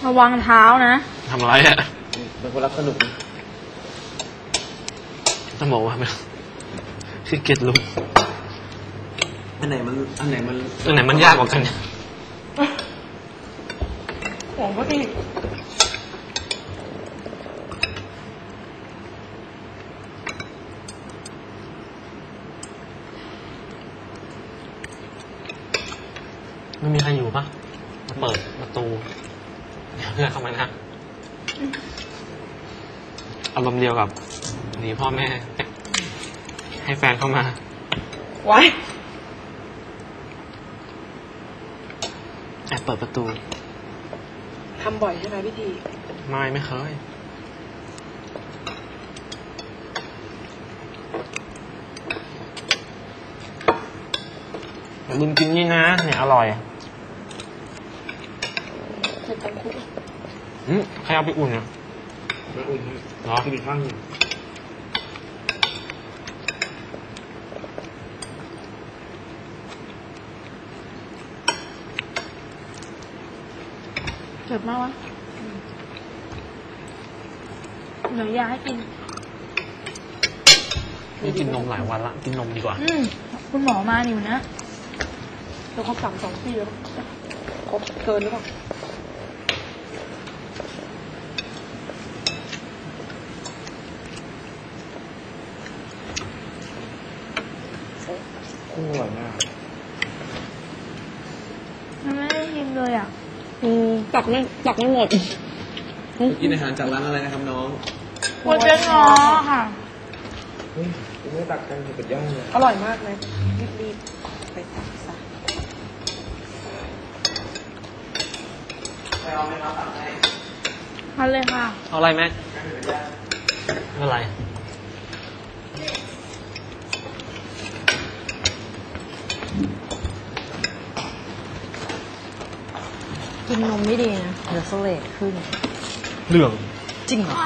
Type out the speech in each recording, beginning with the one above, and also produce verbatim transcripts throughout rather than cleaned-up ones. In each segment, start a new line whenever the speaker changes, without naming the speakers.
ระวังเท้านะ
ทำอะไรอ่ะ
เป็นคนรักสนุก
ต้องบอกว่าคือเกียรติลุง
อันไหนมันอันไหนมัน
อันไหนมันยากกว่ากัน
ของก็ดี
ไม่มีใครอยู่ปะมาเปิดประตูเดี๋ยวเพื่อนเข้ามานะอารมณ์เดียวกับหนีพ่อแม่ให้แฟนเข้ามา
ไว้
แอบเปิดประตู
ทำบ่อยใช่ไหมพี่ที
ไม่ไม่เคยอย่าลืมกินนี่นะเนี่ยอร่อย
เสร็จกันคุก
อืมใครเอาไปอุ่นอ่ะ
ไม่อุ่น
เหรอ
กินข้างหนึ่ง
เจ็บมากวะเดี๋ยวยาให้กิน
นี่กินนมหลายวันละกินนมดีกว่า
อืมคุณหมอมาอยู่นะเราครบสามสองปีแล้วครบเกินหรือเปล่า
กุ้งอร่อยมาก
มันไม่ได้ชิมเลยอ่ะ
อืมตักไม่ตักไม่หมด
กินอาหารจากร้านอะไรนะครับน้อง
โคเจนง้อค่ะ
เฮ้ยไม่ตักกันเป็ดย่างเลย
อร่อยมากเลยรีบๆไปตักซะ
ไปเอาไหมครับตักให้
ทานเลยค่ะ
เอาอะไรไหมอะไร
กินนมไม่ดีนะเดี๋ยวสเลดขึ้น
เรื่อง
จริงเหรอ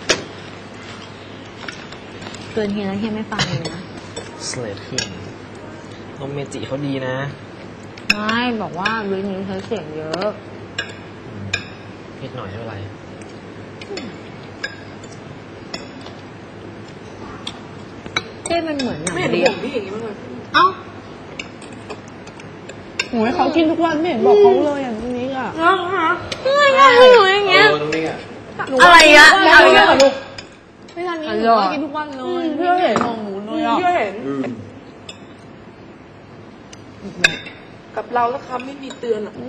เกินทีแล้วเฮียไม่ฟังเลยนะ
สเลดขึ้นนมเมจิเขาดีนะ
ไม่บอกว่าวินี้ใช้เสียงเยอะ
นิดหน่อยเท่าไหร่
เต้มันเหมือนหนัง
ไม่เห็นห่วงพี่อย่างนี้มั้งเลย
เอ้า
โอ้ยเขากินทุกวันไม่เห็นบอกเขาเลยอย่างนี้อ่ะ
อ๋อฮะไม่ไม่หนูอย่างเงี้ยอะไรอ่ะ
อะไรอ่ะลูกไม่ทันนี้หนูกินทุกวันเลยเพื่อเห็นของหนูเลยอ่ะเพื่อเห็นกับเราแล้วคำไม่มีเตือนอ่ะ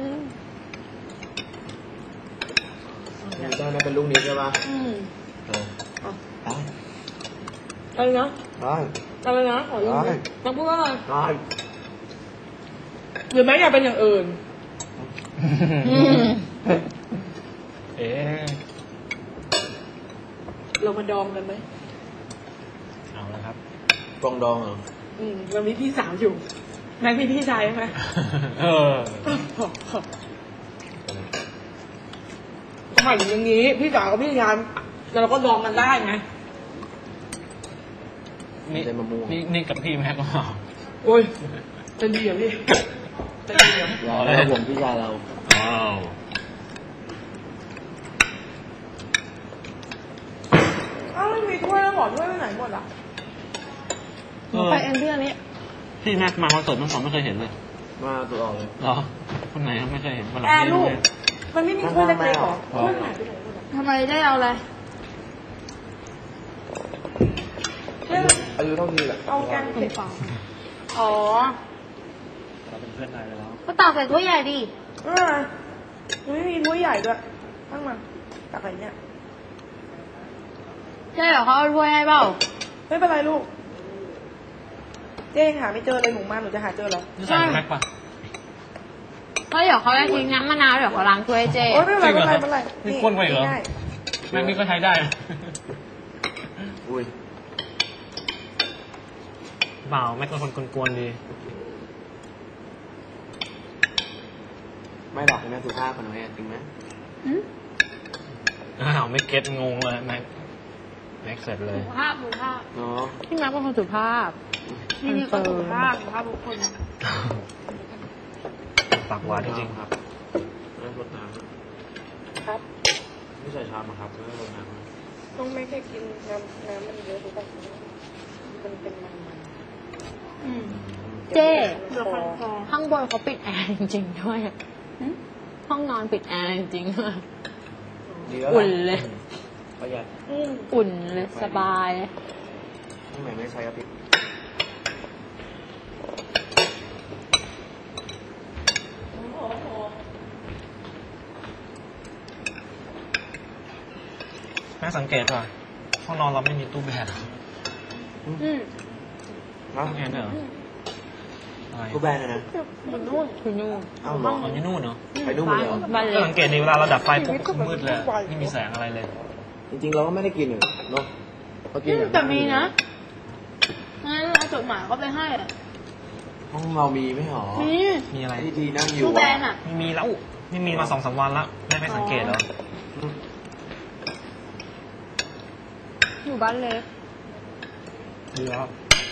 ได้นะเป็นลูกนี้ใช่ปะ
อืม
ได้
อะไรนะ
ได้
อะไรนะขอยืมต้องพูดว่าอะไร
ได้
หรือแม้อยากเป็นอย่างอื่น
เอ๊ะ
เรามาดองกันไหม
เอาละครับ
กองดองเหรอ
อืมเรามีพี่สาวอยู่แม็กมีพี่ชายไหม
เออ
หมายถึงอย่างนี้พี่สาวกับพี่ชายแล้วเราก็ดองกันได้ไง
นี่นี่นี่กับพี่แม็กก็
โอ้ยจะดีเหรอพี่จะดีเหรอ
เราผมพี่ชายเรา
อ้าว
อ้าวไม่มีถ้วยแล้วหมอถ้วยไปไหนหมดอ่ะไปเอ็นเพื่อนนี้
พี่แม็กมาคอนเสิร์ตน้องสองไม่เคยเห็นเลย
มาตัวออกเลย
เหรอคนไหนไม่เคยเห็นคนหลัง
แอร์ลูกมันไม่มีถ้วยเล็กๆหรอถ้วยไหนไปไหนหมดทำไมได้เอาอะไร
อายุเท่านี้แหละ
เอาแกงเผ็ดอ๋อ
เราเป็นเพื่อนนายแล้ว
ก็ตักใส่ถ้วยใหญ่ดิเออไม่มีถ้วยใหญ่ด้วยตั้งมาตักอะไรเนี่ยใช่เหรอเขาเอาถ้วยให้เปล่าไม่เป็นไรลูกเจ๊หาไม่เจอเลยหนูมาหนูจะหาเจอหรอ
ใช่แม็กปะ
ก็เดี๋ยวเขาจะทิ้งน้ำมะนาวเดี๋ยวเขาล้างถ้วยเจ๊
โอ้ไม่เป็นไรไม่เป็นไร
นี่ก้นไปเหรอแม็กนี่ก็ใช้ได้
อุ้ย
เปล่าแม็กเป็นคนกวนๆดี
ไม่หรอกแม่สุภาพคนน้อยจริงไหม
อ้าวไม่เก็ตงงเลยแม็กแม็กเสร็จเลย
สุภาพสุภาพ
เนาะ
พี่แม็กเป็นคนสุภาพ
นี่นี่ก็สุภาพสุภาพทุกคน
ปากหวานจริงๆครับ
รดน้ำ
ครับ
ไม่ใส่ชามอะครับไม่ลงน้ำ
ต้องไม่แค่กินน้ำน้ำมันเยอะหรือเปล่ามันเป็นมันมัน
อืมเจ๊
เดี๋ยวคันคอ
ข้างบนเขาปิดแอร์จริงๆด้วยห้องนอนปิดแอร์จริงๆด้วย
ดีแล้ว
อุ่นเลย
ประหยัด
อืม
อุ่นเลยสบายเลย
ทำไมไม่ใช้กระติก
แม่สังเกตป่ะห้องนอนเราไม่มีตู้แบต
อืม
ฮะ
ตู้แอร์ด้วยเหรออะไร
กูแบนเลยนะ
มันนู่น
คุณนู่น
เอ้าเหรอ
อ๋ออยู่นู่นเนาะ
ไปนู่นหมดเลยเหรอ
บ้านเล็
ก็
ก
สังเกตดีเวลาเราดับไฟปุ๊บก็มืดเลยไม่มีแสงอะไรเลย
จริงๆเราก็ไม่ได้กินเลยเนาะเรากินอย่าง
แต่มีนะงั้นเอาจดหมายก็ไปให้อะ
ห้องเรามีไม่หรอ
มี
มีอะไร
ที่ทีนั่งอยู่
ตู้แบนอ่ะ
ไม่มีแล้วไม่มีมาสองสามวันแล้วแม่ไม่สังเกตเหรอ
อืม
อยู่บ้านเล็ก
ดีแล้ว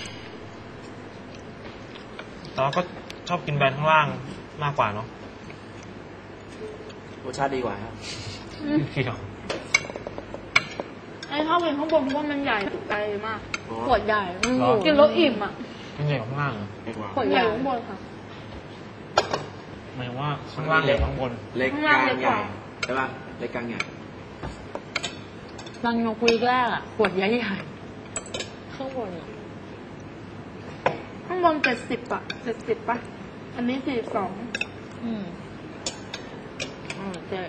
แต่เราก็ชอบกินแบรนด์ข้างล่างมากกว่าเนาะ
รสชาติดีกว่าครับ
เกี่ยว
ไอ้ชอบกินข้างบนเพราะว่ามันใหญ่ไกลมาก
อ๋อ
ขวดใหญ่อืม
กินแล้วอิ่มอ่ะ
มันใหญ่กว่าข้างล่างเหรอ
ดีกว่า
ขวด
ให
ให
ญ่
ญ่
ข้างบนค่ะ
หมายถึงว่าข้างล่างใหญ่กว่าข้างบน
เล็ก
ข้าง
ก
ล่าง
ลาง
เล็ก
ให
ก
ญ่
ว่า
ใช่ป่ะเล็กกลางใหญ่
รังนกวีกแรกอะขวดใหญ่ใหญ่ๆข้างบนอะ
ข้างบนเจ็ดสิบอ่ะเจ็ดสิบป่ะ อันนี้สี่สอง
อืมอืมเจ๊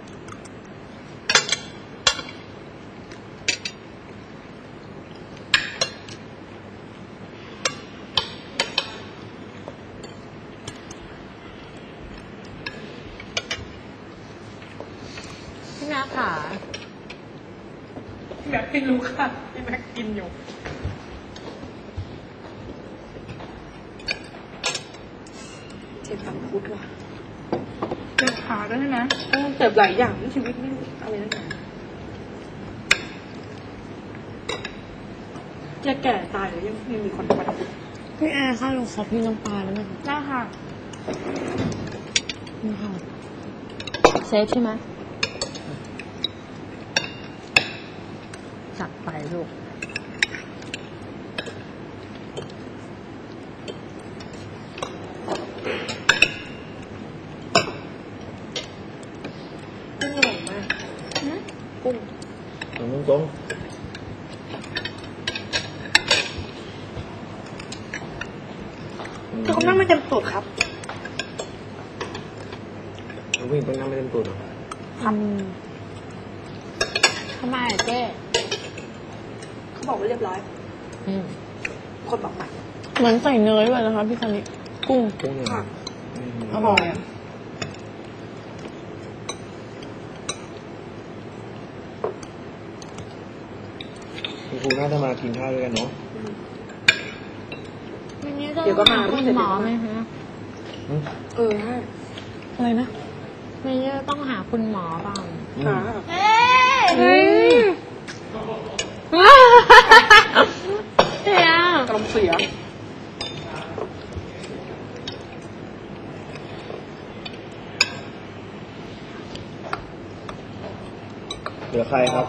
พี่แม่ค่ะ
แม็กไม่รู้ค่ะพี่แม็กกินอยู่เจ็บสังคุดว่ะเจ็บขาด้วยนะเออเจ็บหลายอย่างในชีวิตไม่รู้อะไรนั่นแหละจะแก่ตายหรือยังยังมีคนปัด
พี่แอร์ค่ะลงขอพี่น้ำปลาแล้วไหมคะ
ได้ค่ะ
นี่ค่ะเซฟใช่ไหมจัดไปลูก
กุ้งอร่อยมากกุ้ง
ตรงตรง
คือเขานั่งไม่เต็มตูดครับ
น้องวิ่งต้องนั่งไม่เต็มตัวหรอ
อืมทำไมอะเจ๊
เขาบอกว่าเรียบร้อย
อืม
คนบอกมา
เหมือนใส่เนยด้วยนะคะพี่คันนี้กุ้ง
กุ้งเนี่ย
ค่ะ
อืม
อร่อยอ่ะ
คุณครูน่าจะมากินข้าวด้วยกันเนาะ
วันนี้จะ
เดี๋ยวก็มา
หคุณหมอไหมคะ
อืม
เออใช่
อะไรนะวันนี้จะต้องหาคุณหมอเปล่า
อืม
ค่ะ
เฮ้ยเฮีย
กำลังเสีย
เหลือใครครับ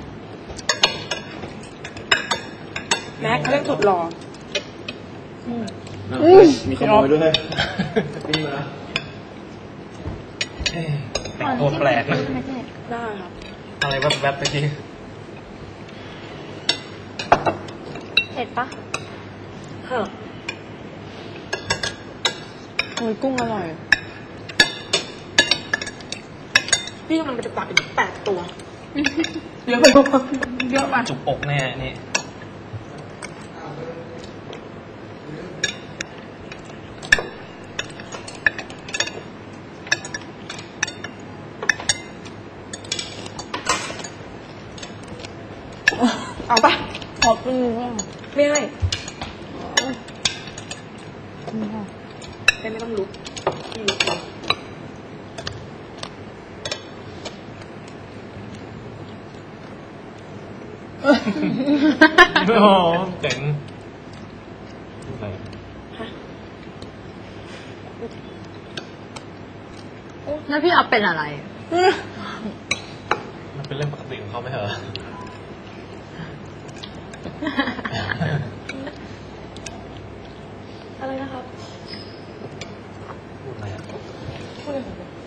แม็กเขาเรียกสุดหล่อ
อืม
มีขโมยด้วยวิ่งมา
เอ๊ะแต่งตัวแปลกนะ
ได้ครับ
อะไรแวบๆไปที
เผ็ดปะ
ค่ะ
โอ้ยกุ้งอร่อย
พี่กำลังจะตักอีกแปดตัว เยอะไปปะเยอะไป
จุกอกแน่นี่
เอาปะ
ขอบคุณค่ะ
ไม่ให้
นี่ค่ะ
ไม่ไม่ต้องลุกพี่ลุกก่อน
โอ้โหเจ๋งอะไร
แล้วพี่เอาเป็นอะไร
อืม
เป็นเรื่องปกติของเขาไหมเหรอ
อะไรนะครับ
พูดอะไรอ่ะ
พูดอะไรของผม